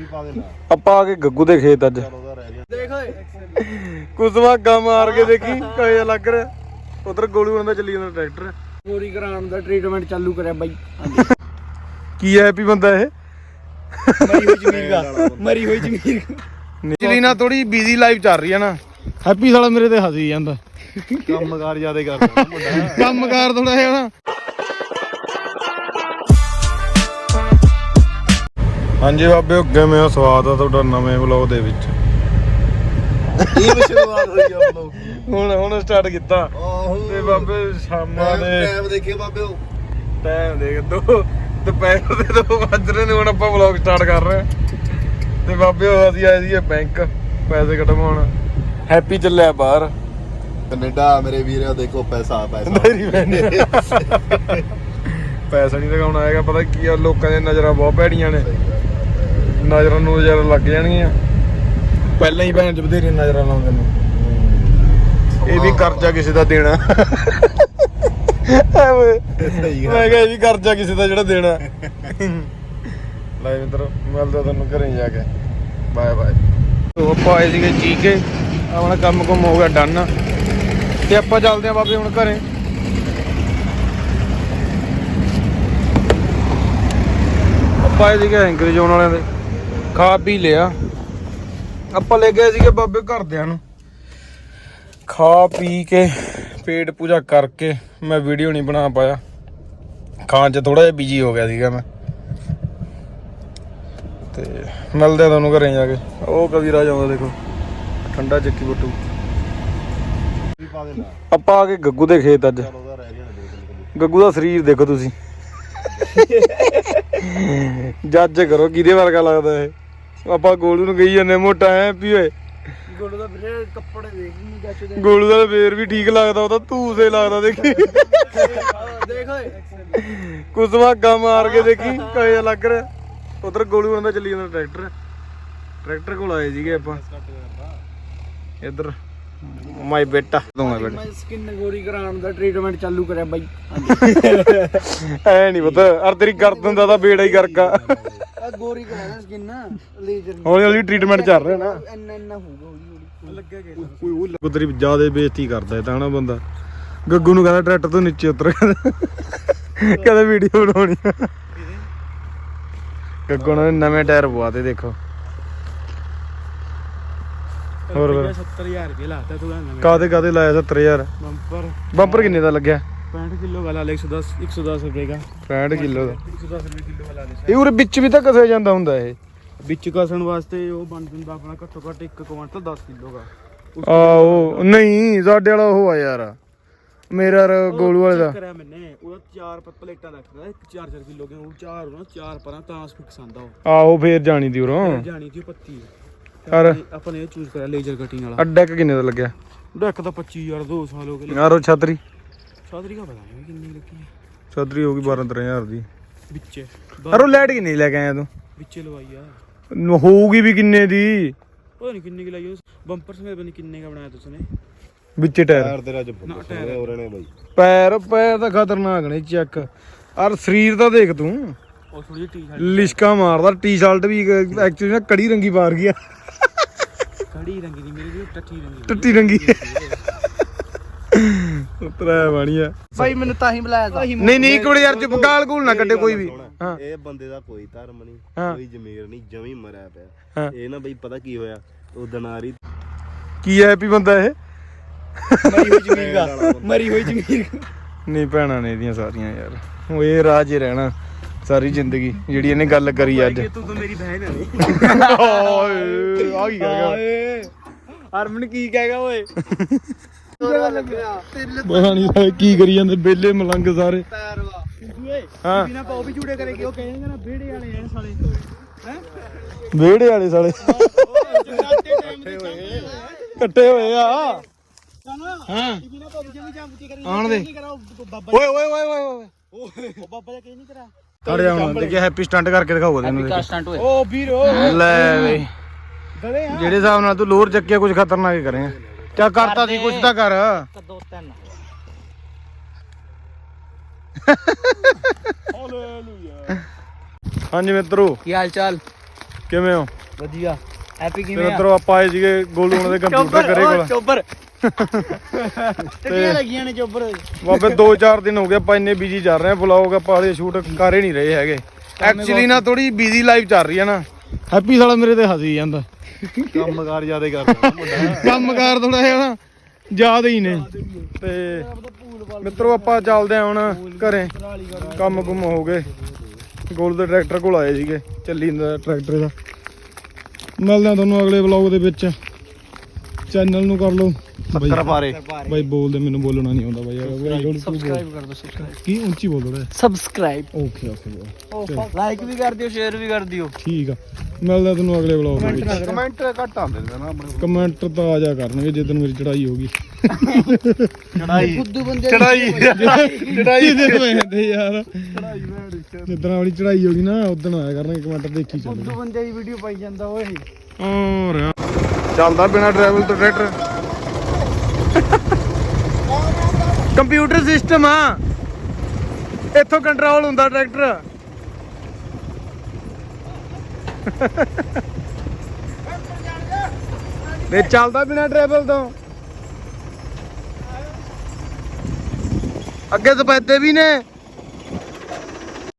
ਆਪਾਂ ਆ ਕੇ ਗੱਗੂ ਦੇ ਖੇਤ ਅੱਜ ਦੇਖ ਓਏ ਕੁਸਵਾ ਗਾ ਮਾਰ ਕੇ ਦੇਖੀ ਕਹੇ ਲੱਗ ਰਿਹਾ ਉਧਰ ਗੋਲੂ ਉਹਨਾਂ ਦਾ ਚੱਲੀ ਜਾਂਦਾ ਟਰੈਕਟਰ ਪੂਰੀ ਕਰਾਉਣ ਦਾ ਟ੍ਰੀਟਮੈਂਟ ਚਾਲੂ ਕਰਿਆ ਬਾਈ ਕੀ ਹੈਪੀ ਬੰਦਾ ਇਹ ਮਰੀ ਹੋਈ ਜ਼ਮੀਨ ਦਾ ਮਰੀ ਹੋਈ ਜ਼ਮੀਨ ਚਲੀ ਨਾ ਥੋੜੀ ਬਿਜ਼ੀ ਲਾਈਫ ਚੱਲ ਰਹੀ ਹੈ ਨਾ ਹੈਪੀ ਸਾਲਾ ਮੇਰੇ ਤੇ ਹੱਸੀ ਜਾਂਦਾ ਕੰਮਕਾਰ ਜ਼ਿਆਦਾ ਕਰਦਾ ਮੁੰਡਾ ਕੰਮਕਾਰ ਥੋੜਾ ਜਿਹਾ ਨਾ ਹਾਂਜੀ ਬਾਬੇ ਕਿਵੇਂ ਹੋ ਸਵਾਦ ਆ ਤੁਹਾਡਾ ਨਵੇਂ ਵਲੌਗ ਦੇ ਵਿੱਚ ਇਹ ਵੀ ਸ਼ੁਰੂਆਤ ਹੋਈ ਆ ਬਲੌਗ ਹੁਣ ਸਟਾਰਟ ਕੀਤਾ ਆਹੋ ਤੇ ਬਾਬੇ ਸ਼ਾਮਾਂ ਦੇ ਟਾਈਮ ਦੇਖੇ ਬਾਬੇ ਉਹ ਟਾਈਮ ਦੇਖ ਦੁਪਹਿਰ ਦੇ 2 ਵੱਜ ਰਹੇ ਨੇ ਹੁਣ ਆਪਾਂ ਵਲੌਗ ਸਟਾਰਟ ਕਰ ਰਹੇ ਤੇ ਬਾਬੇ ਅਸੀਂ ਆਏ ਸੀ ਬੈਂਕ ਪੈਸੇ ਕਢਵਾਉਣ ਹੈਪੀ ਚੱਲਿਆ ਬਾਹਰ ਕੈਨੇਡਾ ਮੇਰੇ ਵੀਰੋ ਦੇਖੋ ਪੈਸਾ ਪੈਸਾ ਨਹੀਂ ਲਗਾਉਣਾ ਹੈਗਾ ਪਤਾ ਕੀ ਆ ਲੋਕਾਂ ਦੀਆਂ ਨਜ਼ਰਾਂ ਬਹੁਤ ਭੈੜੀਆਂ ਨੇ ਨਜ਼ਰਾਂ ਨੂੰ ਜਰਾ ਲੱਗ ਜਾਣਗੀਆਂ ਪਹਿਲਾਂ ਹੀ ਭੈਣ ਚ ਬਥੇਰੀਆਂ ਨਜ਼ਰਾਂ ਲਾਉਂਦੇ ਨੇ ਇਹ ਵੀ ਕਰਜ਼ਾ ਕਿਸੇ ਦਾ ਦੇਣਾ ਮੈਂ ਕਿਹਾ ਇਹ ਵੀ ਕਰਜ਼ਾ ਕਿਸੇ ਦਾ ਜਿਹੜਾ ਦੇਣਾ ਲੈ ਮਿੱਤਰ ਮਿਲਦਾ ਤੁਹਾਨੂੰ ਘਰੇ ਜਾ ਕੇ ਬਾਏ ਬਾਏ ਤੋ ਆਪਾਂ ਆਏ ਸੀਗੇ ਚੀਕੇ ਆਪਣਾ ਕੰਮ ਕੁਮ ਹੋ ਗਿਆ ਡਨ ਤੇ ਆਪਾਂ ਚੱਲਦੇ ਆ ਬਾਬੇ ਹੁਣ ਘਰੇ ਆਪਾਂ ਆਏ ਸੀਗੇ ਐਂਕਰ ਜ਼ੋਨ ਵਾਲਿਆਂ ਦੇ ਖਾ ਪੀ ਲਿਆ ਆਪਾਂ ਲੈ ਗਏ ਸੀਗੇ ਬਾਬੇ ਘਰਦਿਆਂ ਨੂੰ ਖਾ ਪੀ ਕੇ ਪੇਟ ਪੂਜਾ ਕਰਕੇ ਮੈਂ ਵੀਡੀਓ ਨਹੀਂ ਬਣਾ ਪਾਇਆ ਖਾਣ 'ਚ ਥੋੜਾ ਜਿਹਾ ਬਿਜੀ ਹੋ ਗਿਆ ਸੀਗਾ ਮੈਂ ਤੇ ਮਿਲਦੇ ਆ ਤੁਹਾਨੂੰ ਘਰੇ ਜਾ ਕੇ ਉਹ ਕਵੀਰਾ ਜਾਉਂਦਾ ਦੇਖੋ ਠੰਡਾ ਚੱਕੀ ਬੁੱਟੂ ਆਪਾਂ ਆ ਕੇ ਗੱਗੂ ਦੇ ਖੇਤ ਅੱਜ ਗੱਗੂ ਦਾ ਸਰੀਰ ਦੇਖੋ ਤੁਸੀਂ ਜੱਜ ਕਰੋ ਕਿਹਦੇ ਵਰਗਾ ਲੱਗਦਾ ਇਹ ਆਪਾਂ ਗੋਲੂ ਨੂੰ ਕਹੀ ਜਾਂਦੇ ਮੋਟਾ ਐ ਵੀ ਓਏ ਗੋਲੂ ਦਾ ਵੀਰੇ ਕੱਪੜੇ ਦੇਖ ਨਹੀਂ ਜੱਚਦੇ ਗੋਲੂ ਦਾ ਫੇਰ ਵੀ ਠੀਕ ਲੱਗਦਾ ਉਹਦਾ ਧੂਸੇ ਲੱਗਦਾ ਦੇਖੀ ਦੇਖ ਓਏ ਕੁਸਵਾ ਗਾ ਮਾਰ ਕੇ ਦੇਖੀ ਕਹੇ ਲੱਗ ਰਿਹਾ ਉਧਰ ਗੋਲੂ ਉਹਨਾਂ ਦਾ ਚੱਲੀ ਜਾਂਦਾ ਟਰੈਕਟਰ ਕੋਲ ਆਏ ਸੀਗੇ ਆਪਾਂ ਇੱਧਰ ਮਾਈ ਬੇਟਾ ਮੈਂ ਸਕਿਨ ਗੋਰੀ ਕਰਾਉਣ ਦਾ ਟ੍ਰੀਟਮੈਂਟ ਚਾਲੂ ਕਰਿਆ ਬਾਈ ਐ ਨਹੀਂ ਪਤਾ ਅਰ ਤੇਰੀ ਗਰਦਨ ਦਾ ਤਾਂ ਬੇੜਾ ਹੀ ਕਰਕਾ ਆ ਗੋਰੀ ਕਰਾਉਣਾ ਸਕਿਨ ਲੇਜ਼ਰ ਹੌਲੀ ਹੌਲੀ ਟ੍ਰੀਟਮੈਂਟ ਚੱਲ ਰਿਹਾ ਨਾ ਇੰਨਾ ਹੋਊਗਾ ਹੌਲੀ ਲੱਗਿਆ ਗਿਆ ਉਹ ਤੇਰੀ ਜ਼ਿਆਦਾ ਬੇਇੱਜ਼ਤੀ ਕਰਦਾ ਇਹ ਤਾਂ ਨਾ ਬੰਦਾ ਗੱਗੂ ਨੂੰ ਕਹਿੰਦਾ ਟਰੈਕਟਰ ਤੋਂ ਨੀਚੇ ਉਤਰ ਕਹਿੰਦਾ ਵੀਡੀਓ ਬਣਾਉਣੀ ਗੱਗੂ ਨੇ ਨਵੇਂ ਟਾਇਰ ਪਵਾਤੇ ਦੇਖੋ ਹੋਰ 70000 ਰੁਪਏ ਲਾਤਾ ਤੂੰ ਕਾਦੇ ਲਾਇਆ 70000 ਬੰਪਰ ਕਿੰਨੇ ਦਾ ਲੱਗਿਆ 65 ਕਿਲੋ ਵਾਲਾ 110 ਰੁਪਏ ਦਾ 65 ਕਿਲੋ ਦਾ 110 ਰੁਪਏ ਕਿਲੋ ਵਾਲਾ ਇਹ ਉਰੇ ਵਿੱਚ ਵੀ ਤਾਂ ਕਸਿਆ ਜਾਂਦਾ ਹੁੰਦਾ ਇਹ ਵਿੱਚ ਕਸਣ ਵਾਸਤੇ ਉਹ ਬਣ ਜਾਂਦਾ ਆਪਣਾ ਘੱਟੋ ਘੱਟ 1 ਕੁਇੰਟਲ 10 ਕਿਲੋ ਦਾ ਆਹੋ ਨਹੀਂ ਸਾਡੇ ਵਾਲਾ ਉਹ ਆ ਯਾਰ ਮੇਰਾ ਗੋਲੂ ਵਾਲੇ ਦਾ ਕਰਿਆ ਮੈਨੇ ਉਹਦਾ 4 ਪਲੇਟਾਂ ਰੱਖਦਾ 4 ਕਿਲੋ ਕੇ ਉਹ 4 ਪਰਾਂ ਤਾਂ ਫਿਕਸ ਆਂਦਾ ਉਹ ਆਹੋ ਫੇਰ ਜਾਣੀ ਦੀ ਉਰੋਂ ਜਾਣੀ ਦੀ ਪੱਤੀ ਯਾਰ ਆਪਾਂ ਨੇ ਇਹ ਚੂਜ਼ ਕਰਿਆ ਲੇਜ਼ਰ ਕਟਿੰਗ ਵਾਲਾ ਅੱਡਾ ਕਿੰਨੇ ਦਾ ਲੱਗਿਆ ਡੈਕ ਤਾਂ 25000 2 ਸਾਲ ਹੋ ਗਏ ਯਾਰ ਉਹ ਛਤਰੀ ਸਾਦਰੀ ਦਾ ਪਤਾ ਨਹੀਂ ਕਿੰਨੀ ਲੱਗੀ ਛਤਰੀ ਹੋ ਗਈ 12-13000 ਦੀ ਵਿੱਚੇ ਯਾਰ ਉਹ ਲਾਈਟ ਕਿੰਨੀ ਲੈ ਕੇ ਆਇਆ ਤੂੰ ਵਿੱਚੇ ਲਵਾਈ ਆ ਹੋਊਗੀ ਵੀ ਕਿੰਨੇ ਦੀ ਪਤਾ ਨਹੀਂ ਕਿੰਨੀ ਕਿ ਲਾਈ ਉਸ ਬੰਪਰ ਸਮੇਤ ਬਣੀ ਕਿੰਨੇ ਦਾ ਬਣਾਇਆ ਤੁਸਨੇ ਵਿੱਚੇ ਟਾਇਰ ਟਾਇਰ ਤੇਰਾ ਚ ਹੋ ਰਹੇ ਨੇ ਬਾਈ ਪੈਰ ਤਾਂ ਖਤਰਨਾਕ ਨੇ ਚੈੱਕ ਔਰ ਸਰੀਰ ਤਾਂ ਦੇਖ ਤੂੰ ਉਹ ਥੋੜੀ ਜਿਹੀ ਟੀ-ਸ਼ਰਟ ਲਿਸ਼ਕਾ ਮਾਰਦਾ ਟੀ-ਸ਼ਰਟ ਵੀ ਐਕਚੁਅਲੀ ਨਾ ਕੜੀ ਰੰਗੀ ਪਾਰ ਗਿਆ ਕੜੀ ਰੰਗੀ ਦੀ ਮੇਰੀ ਵੀ ਟੱਟੀ ਰੰਗੀ ਉਤਰਾ ਬਣੀਆ ਭਾਈ ਮੈਨੂੰ ਤਾਂ ਹੀ ਬੁਲਾਇਆ ਸੀ ਨਹੀਂ ਇੱਕ ਮਿੰਟ ਯਾਰ ਚੁੱਪ ਗਾਲ ਗੂਲ ਨਾ ਕੱਢੇ ਕੋਈ ਵੀ ਹਾਂ ਇਹ ਬੰਦੇ ਦਾ ਕੋਈ ਧਰਮ ਨਹੀਂ ਕੋਈ ਜ਼ਮੀਰ ਨਹੀਂ ਜਮੀ ਮਰਿਆ ਪਿਆ ਹਾਂ। ਇਹ ਨਾ ਬਈ ਪਤਾ ਕੀ ਹੋਇਆ ਉਹ ਦਨਾਰੀ ਕੀ ਹੈ ਹੈਪੀ ਬੰਦਾ ਇਹ ਮਰੀ ਹੋਈ ਜ਼ਮੀਨ ਦਾ ਮਰੀ ਹੋਈ ਜ਼ਮੀਨ ਨਹੀਂ ਭੈਣਾਂ ਨੇ ਇਹਦੀਆਂ ਸਾਰੀਆਂ ਯਾਰ ਉਹ ਇਹ ਰਾਜ ਹੀ ਰਹਿਣਾ ਸਾਰੀ ਜ਼ਿੰਦਗੀ ਜਿਹੜੀ ਇਹਨੇ ਗੱਲ ਕਰੀ ਅੱਜ ਤੂੰ ਤਾਂ ਮੇਰੀ ਬਹਿਨ ਹੈ ਓਏ ਆ ਕੀ ਕਰ ਗਿਆ ਹਰਮਨ ਕੀ ਕਹੇਗਾ ਓਏ ਪਤਾ ਨਹੀਂ ਕੀ ਕਰੀ ਜਾਂਦੇ ਬੇਲੇ ਮਲੰਗ ਸਾਰੇ ਪੈਰ ਵਾ ਓਏ ਹਾਂ ਬਿਨਾ ਪਾਉ ਵੀ ਝੂੜੇ ਕਰੇਗੇ ਉਹ ਕਹਿੰਦੇ ਨਾ ਵਿਹੜੇ ਵਾਲੇ ਐ ਸਾਲੇ ਹੈ ਵਿਹੜੇ ਵਾਲੇ ਸਾਲੇ ਕੱਟੇ ਹੋਏ ਆ ਹਾਂ ਬਿਨਾ ਪਾਉ ਵੀ ਜਾਂਬੂਤੀ ਕਰੀ ਆਣ ਦੇ ਬਾਬਾ ਓਏ ਓਏ ਓਏ ਓਏ ਉਹ ਬਾਬਾ ਜੀ ਕੀ ਨਹੀਂ ਕਰਾ ਖੜ ਜਾ ਹੁਣ ਦੇਖਿਆ ਹੈਪੀ ਸਟੰਟ ਕਰਕੇ ਦਿਖਾਓ ਤੈਨੂੰ ਸਟੰਟ ਓਏ ਓ ਵੀਰੋ ਲੈ ਵੇ ਗਲੇ ਆ ਜਿਹੜੇ ਹਿਸਾਬ ਨਾਲ ਤੂੰ ਲੋਰ ਚੱਕਿਆ ਕੁਝ ਖਤਰਨਾਕ ਹੀ ਕਰੇਗਾ ਕਿਆ ਕਰਤਾ ਸੀ ਕੁਝ ਤਾਂ ਕਰ 2-3 ਹਾਲੇਲੂਇਆ ਹਾਂਜੀ ਮਿੱਤਰੋ ਕੀ ਹਾਲ ਚਾਲ ਕਿਵੇਂ ਹੋ ਵਧੀਆ ਹੈਪੀ ਫਿਰ ਉਧਰੋਂ ਆਪਾਂ ਆਏ ਸੀਗੇ ਗੋਲੂ ਉਹਨਾਂ ਦੇ ਕੰਪਿਊਟਰ ਕਰੇ ਕੋਲ ਚੋਬਰ ਟੱਟੀਆਂ ਲੱਗੀਆਂ ਨੇ ਚੋਬਰ ਬਾਬੇ 2-4 ਦਿਨ ਹੋ ਗਏ ਆਪਾਂ ਇੰਨੇ ਬਿਜੀ ਚੱਲ ਰਹੇ ਆ ਵਲੌਗ ਆਪਾਂ ਹਾਲੇ ਸ਼ੂਟ ਕਰ ਹੀ ਨਹੀਂ ਰਹੇ ਹੈਗੇ ਐਕਚੁਅਲੀ ਨਾ ਥੋੜੀ ਬਿਜੀ ਲਾਈਫ ਚੱਲ ਰਹੀ ਹੈ ਨਾ ਹੈਪੀ ਸਾਲਾ ਮੇਰੇ ਤੇ ਹੱਸੀ ਜਾਂਦਾ ਕੰਮਕਾਰ ਜ਼ਿਆਦਾ ਕਰਦਾ ਮੁੰਡਾ ਕੰਮਕਾਰ ਥੋੜਾ ਜਿਹਾ ਨਾ ਜ਼ਿਆਦਾ ਹੀ ਨੇ ਤੇ ਮਿੱਤਰੋ ਆਪਾਂ ਚੱਲਦੇ ਆ ਹੁਣ ਘਰੇ ਕੰਮ ਕੁਮ ਹੋ ਗਏ ਗੋਲ ਦੇ ਟਰੈਕਟਰ ਕੋਲ ਆਏ ਸੀਗੇ ਚੱਲੀ ਜਾਂਦਾ ਟਰੈਕਟਰ ਦਾ ਮਿਲਦੇ ਆ ਤੁਹਾਨੂੰ ਅਗਲੇ ਵਲੌਗ ਦੇ ਵਿੱਚ ਚੈਨਲ ਨੂੰ ਕਰ ਲਓ ਸ਼ੱਕਰ ਪਾਰੇ ਬਾਈ ਬੋਲਦੇ ਮੈਨੂੰ ਬੋਲਣਾ ਨਹੀਂ ਆਉਂਦਾ ਬਾਈ ਸਬਸਕ੍ਰਾਈਬ ਕਰ ਦਿਓ ਸਬਸਕ੍ਰਾਈਬ ਕੀ ਉੱਚੀ ਬੋਲ ਥੋੜਾ ਸਬਸਕ੍ਰਾਈਬ ਓਕੇ ਲਾਈਕ ਵੀ ਕਰ ਦਿਓ ਸ਼ੇਅਰ ਵੀ ਕਰ ਦਿਓ ਠੀਕ ਆ ਮਿਲਦਾ ਤੁਹਾਨੂੰ ਅਗਲੇ ਵਲੌਗ ਦੇ ਵਿੱਚ ਕਮੈਂਟ ਘੱਟ ਆਉਂਦੇ ਨੇ ਨਾ ਆਪਣੇ ਕਮੈਂਟ ਤਾਂ ਆ ਜਾ ਕਰਨਗੇ ਜਦੋਂ ਮੇਰੀ ਚੜਾਈ ਹੋਗੀ ਚੜਾਈ ਖੁੱਦੂ ਬੰਦੇ ਚੜਾਈ ਦੇ ਪੈਂਦੇ ਯਾਰ ਜਿੱਦਣ ਵਾਲੀ ਚੜਾਈ ਹੋਗੀ ਨਾ ਉਦੋਂ ਆਇਆ ਕਰਨਗੇ ਕਮੈਂਟ ਦੇਖੀ ਚੱਲ ਖੁੱਦੂ ਬੰਦੇ ਦੀ ਵੀਡੀਓ ਪਾਈ ਜਾਂਦਾ ਓਏ ਹੋਰ ਚੱਲਦਾ ਬਿਨਾ ਡਰਾਈਵਰ ਤੋਂ ਟਰੈਕਟਰ ਕੰਪਿਊਟਰ ਸਿਸਟਮ ਆ ਇੱਥੋਂ ਕੰਟਰੋਲ ਹੁੰਦਾ ਟਰੈਕਟਰ ਇਹ ਚੱਲਦਾ ਬਿਨਾ ਡਰਾਈਵਰ ਤੋਂ ਅੱਗੇ ਸਪੈਦੇ ਵੀ ਨੇ